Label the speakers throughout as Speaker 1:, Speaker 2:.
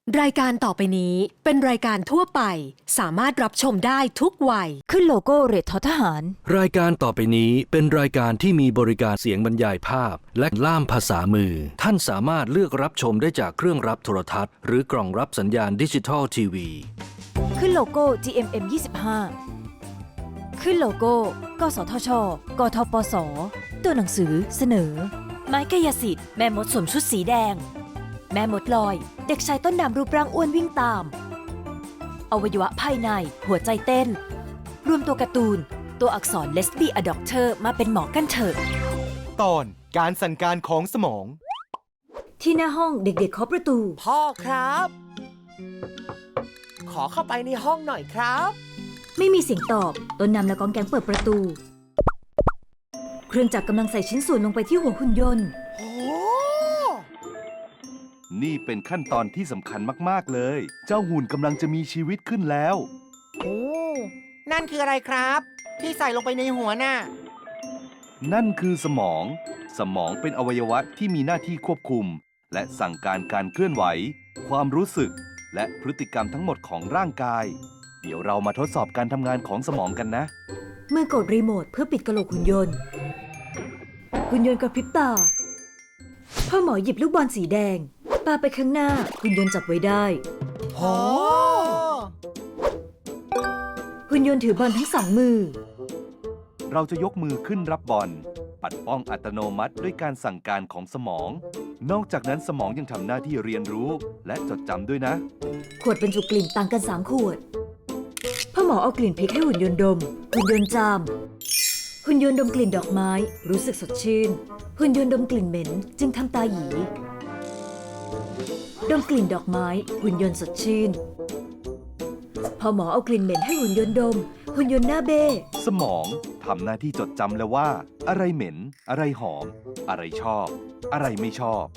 Speaker 1: รายการต่อไปนี้เป็นรายการทั่วไปสามารถรับชมได้ทุกวัย
Speaker 2: ขึ้นโลโก้เรทททหาร
Speaker 3: รายการต่อไปนี้เป็นรายการที่มีบริการเสียงบรรยายภาพและล่ามภาษามือท่านสามารถเลือกรับชมได้จากเครื่องรับโทรทัศน์หรือกล่องรับสัญญาณดิจิทัลทีวี
Speaker 2: ขึ้นโลโก้ GMM 25ขึ้นโลโก้ กสทช กทปส ตัวหนังสือเสนอ ไม้กายสิทธิ์แม่มดสวมชุดสีแดงแม่มดลอยเด็กชายต้นน้ำรูปร่างอ้วนวิ่งตามอวัยวะภายในหัวใจเต้นรวมตัวการ์ตูนตัวอักษรเลสบี้อด็อกเตอร์มาเป็นหมอกันเถอะ
Speaker 4: ตอนการสั่งการของสมอง
Speaker 2: ที่หน้าห้องเด็กๆเคาะประตู
Speaker 5: พ่อครับ ขอเข้าไปในห้องหน่อยครับ
Speaker 2: ไม่มีเสียงตอบต้นน้ำและกองแกงเปิดประตูเครื่องจักรกำลังใส่ชิ้นส่วนลงไปที่หัวหุ่นยนต์
Speaker 5: โอ้
Speaker 6: นี่เป็นขั้นตอนที่สำคัญมากๆเลย เจ้าหุ่นกำลังจะมีชีวิตขึ้นแล้ว
Speaker 5: โอ้นั่นคืออะไรครับ ที่ใส่ลงไปในหัวน่ะ
Speaker 6: นั่นคือสมอง สมองเป็นอวัยวะที่มีหน้าที่ควบคุม และสั่งการการเคลื่อนไหว ความรู้สึก และพฤติกรรมทั้งหมดของร่างกาย เดี๋ยวเรามาทดสอบการทำงานของสมองกันนะ
Speaker 2: มือกดรีโมทเพื่อปิดกระโหลกหุ่นยนต์หุ่นยนต์กระพริบตาพ่อหมอหยิบลูกบอลสีแดงปาไปข้างหน้าหุ่นยนต์จับไว้ได้
Speaker 5: โอ้
Speaker 2: หุ่นยนต์ถือบอลทั้งสองมือ
Speaker 6: เราจะยกมือขึ้นรับบอลปัดป้องอัตโนมัติด้วยการสั่งการของสมอง นอกจากนั้นสมองยังทำหน้าที่เรียนรู้และจดจำด้วยนะ
Speaker 2: ขวดบรรจุกลิ่นต่างกัน3ขวดพ่อหมอเอากลิ่นพริกให้หุ่นยนต์ดมหุ่นยนต์จามหุ่นยนต์ดมกลิ่นดอกไม้รู้สึกสดชื่นหุ่นยนต์ดมกลิ่นเหม็นจึงทำตาหยีดมกลิ่นดอกไม้หุ่นยนต์สดชื่นพอหมอเอากลิ่นเหม็นให้หุ่นยนต์ดมหุ่นยนต์หน้าเบ้
Speaker 6: สมองทำหน้าที่จดจำแล้วว่าอะไรเหม็นอะไรหอมอะไรชอบอะไรไม่ชอบ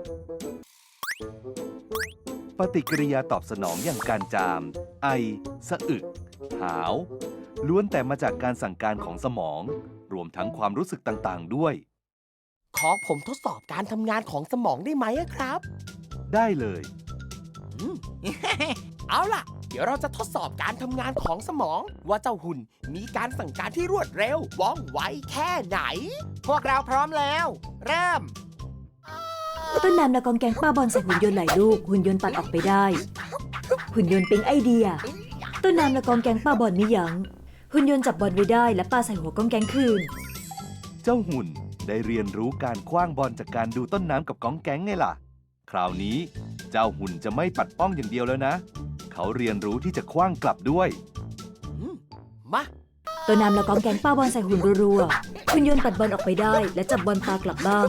Speaker 6: ปฏิกิริยาตอบสนองอย่างการจามไอสะอึกหาวล้วนแต่มาจากการสั่งการของสมองรวมทั้งความรู้สึกต่างๆด้วย
Speaker 5: ขอผมทดสอบการทำงานของสมองได้ไหมครับ
Speaker 6: ได้เลย
Speaker 5: เอาล่ะ เดี๋ยวเราจะทดสอบการทำงานของสมองว่าเจ้าหุ่นมีการสั่งการที่รวดเร็วว่องไวแค่ไหน พวกเราพร้อมแล้ว เริ่ม
Speaker 2: ต้นน้ำและกองแกงป้าบอลใส่หุ่นยนต์หลายลูกหุ่นยนต์ปัดออกไปได้หุ่นยนต์ปิ๊งไอเดียต้นน้ำและกองแกงป้าบอลไม่ยั้งหุ่นยนต์จับบอลไว้ได้และปาใส่หัวกองแกงคืน
Speaker 6: เจ้าหุ่นได้เรียนรู้การคว้างบอลจากการดูต้นน้ำกับกองแกงไงล่ะคราวนี้เจ้าหุ่นจะไม่ปัดป้องอย่างเดียวแล้วนะเขาเรียนรู้ที่จะคว้างกลับด้วย
Speaker 5: มา
Speaker 2: ต้นน้ำและกองแกงป้าบอลใส่หุ่นรัวๆหุ่นยนต์ปัดบอลออกไปได้และจับบอลปากลับบ้าง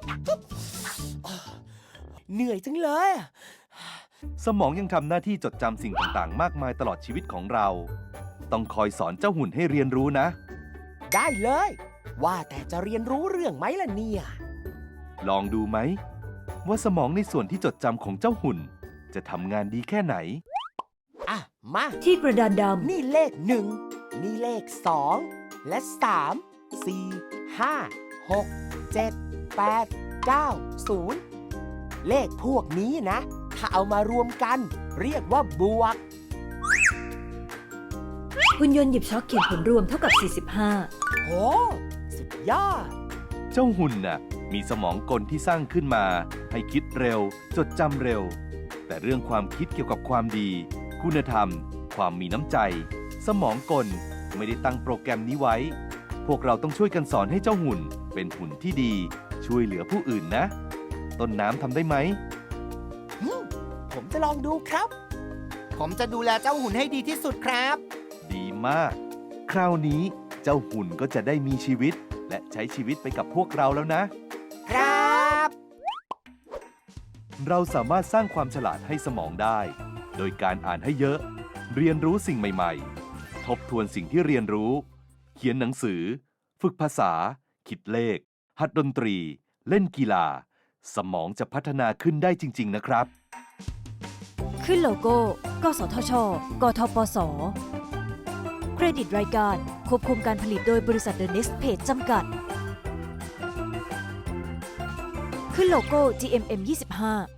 Speaker 5: เหนื่อยจังเลย
Speaker 6: สมองยังทำหน้าที่จดจำสิ่งต่างๆมากมายตลอดชีวิตของเราต้องคอยสอนเจ้าหุ่นให้เรียนรู้นะ
Speaker 5: ได้เลยว่าแต่จะเรียนรู้เรื่องไหมล่ะเนี่ย
Speaker 6: ลองดูไหมว่าสมองในส่วนที่จดจำของเจ้าหุ่นจะทำงานดีแค่ไหน
Speaker 5: มา
Speaker 2: ที่กระดานดำ
Speaker 5: นี่เลข1นี่เลข2และ3 4 5 6 7 8 9 0เลขพวกนี้นะถ้าเอามารวมกันเรียกว่าบวก
Speaker 2: หุ่นยนต์หยิบช็อคเขียนผลรวมเท่ากับ45
Speaker 5: โอ้สุดยอด
Speaker 6: เจ้าหุ่นน่ะมีสมองกลที่สร้างขึ้นมาให้คิดเร็วจดจำเร็วแต่เรื่องความคิดเกี่ยวกับความดีคุณธรรมความมีน้ำใจสมองกลไม่ได้ตั้งโปรแกรมนี้ไว้พวกเราต้องช่วยกันสอนให้เจ้าหุ่นเป็นหุ่นที่ดีช่วยเหลือผู้อื่นนะต้นน้ำทำได้ไหม
Speaker 5: ผมจะลองดูครับผมจะดูแลเจ้าหุ่นให้ดีที่สุดครับ
Speaker 6: ดีมากคราวนี้เจ้าหุ่นก็จะได้มีชีวิตและใช้ชีวิตไปกับพวกเราแล้ว
Speaker 5: นะครับ
Speaker 6: เราสามารถสร้างความฉลาดให้สมองได้โดยการอ่านให้เยอะเรียนรู้สิ่งใหม่ๆทบทวนสิ่งที่เรียนรู้เขียนหนังสือฝึกภาษาคิดเลขหัดดนตรีเล่นกีฬาสมองจะพัฒนาขึ้นได้จริงๆนะครับ
Speaker 2: ขึ้นโลโก้ กสทช กทปส เครดิตรายการควบคุมการผลิตโดยบริษัท The Next Page จำกัดขึ้นโลโก้ GMM 25